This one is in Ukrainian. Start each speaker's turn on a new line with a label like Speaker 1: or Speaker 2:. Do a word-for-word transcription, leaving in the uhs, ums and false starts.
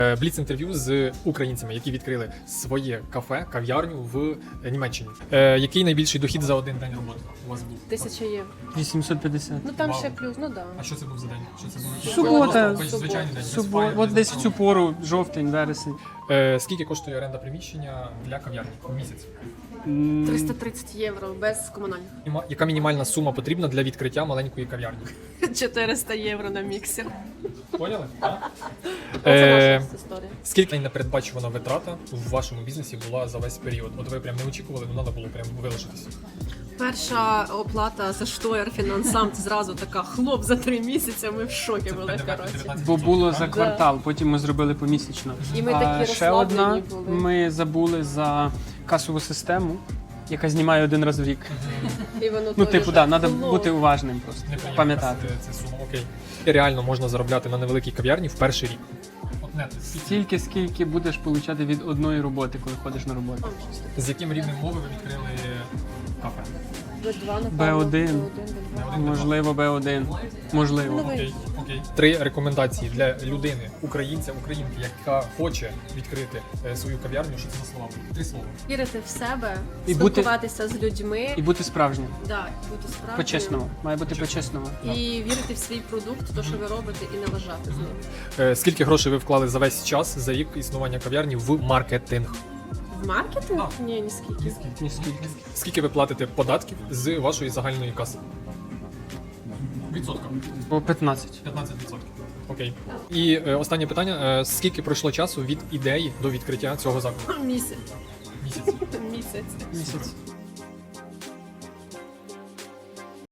Speaker 1: Бліц-інтерв'ю з українцями, які відкрили своє кафе, кав'ярню в Німеччині. Е, який найбільший дохід за один день роботи у вас був?
Speaker 2: Тисяча євро.
Speaker 3: вісімсот п'ятдесят.
Speaker 2: Ну там
Speaker 1: Вау.
Speaker 2: ще плюс, ну да.
Speaker 1: А що це був за день? Що це був?
Speaker 3: Субота.
Speaker 1: Просто звичайний день. без
Speaker 3: Субо...
Speaker 1: фаєрів,
Speaker 3: От
Speaker 1: без
Speaker 3: десь в
Speaker 1: нічого.
Speaker 3: цю пору, жовтень, вересень.
Speaker 1: Е, скільки коштує оренда приміщення для кав'ярні в місяць?
Speaker 3: М,
Speaker 2: триста тридцять євро без комунальних.
Speaker 1: Мініма- Яка мінімальна сума потрібна для відкриття маленької кав'ярні?
Speaker 2: чотириста євро на міксер.
Speaker 1: Поняли? А?
Speaker 2: Це
Speaker 1: Е,
Speaker 2: наша історія.
Speaker 1: Скільки непередбачувана витрата в вашому бізнесі була за весь період? От ви прям не очікували, ну треба було прям вилишитися.
Speaker 2: Перша оплата за штоєр фінансам зразу така хлоп за три місяці. Ми в шокі були, коротше.
Speaker 3: Бо було за
Speaker 1: Так?
Speaker 3: квартал, потім ми зробили помісячно.
Speaker 2: І ми
Speaker 3: а
Speaker 2: такі
Speaker 3: ще одна,
Speaker 2: розслаблені були.
Speaker 3: ми забули за касову систему, яка знімає один раз в рік.
Speaker 2: І воно
Speaker 3: Ну,
Speaker 2: теж
Speaker 3: типу, да, треба
Speaker 2: було.
Speaker 3: бути уважним просто,
Speaker 1: Неприємно
Speaker 3: пам'ятати.
Speaker 1: це- це сума, окей. І реально можна заробляти на невеликій кав'ярні в перший рік. От нет, скільки?
Speaker 3: Стільки, скільки будеш отримати від одної роботи, коли ходиш на роботу.
Speaker 1: З яким рівнем мови ви відкрили кафе?
Speaker 2: Б два, напевно.
Speaker 3: Б один.
Speaker 2: Б один, Б два.
Speaker 3: Можливо, Б один. Можливо.
Speaker 2: Ну, ви-
Speaker 1: Окей, окей. Три рекомендації для людини, українця, українки, яка хоче відкрити е, свою кав'ярню. Що це за слова? Три слова.
Speaker 2: Вірити в себе,
Speaker 3: І бути-
Speaker 2: спілкуватися з людьми,
Speaker 3: І бути справжнім.
Speaker 2: да, бути справжнім.
Speaker 3: По-чесному. Має бути
Speaker 1: По-чесному.
Speaker 3: по-чесному.
Speaker 2: І вірити в свій продукт, то, що ви робите, і не лежати з ним.
Speaker 1: Е, Скільки грошей ви вклали за весь час за рік існування кав'ярні в маркетинг?
Speaker 2: В маркетинг?
Speaker 1: Так.
Speaker 2: Ні, ні скільки.
Speaker 3: Ні скільки.
Speaker 1: Скільки ви платите податків з вашої загальної каси? Відсотка.
Speaker 3: По п'ятнадцять.
Speaker 1: п'ятнадцять відсотків. Окей. І е, останнє питання: Е, скільки пройшло часу від ідеї до відкриття цього закладу?
Speaker 2: Місяць.
Speaker 1: Місяць.
Speaker 2: Місяць.
Speaker 3: Місяць.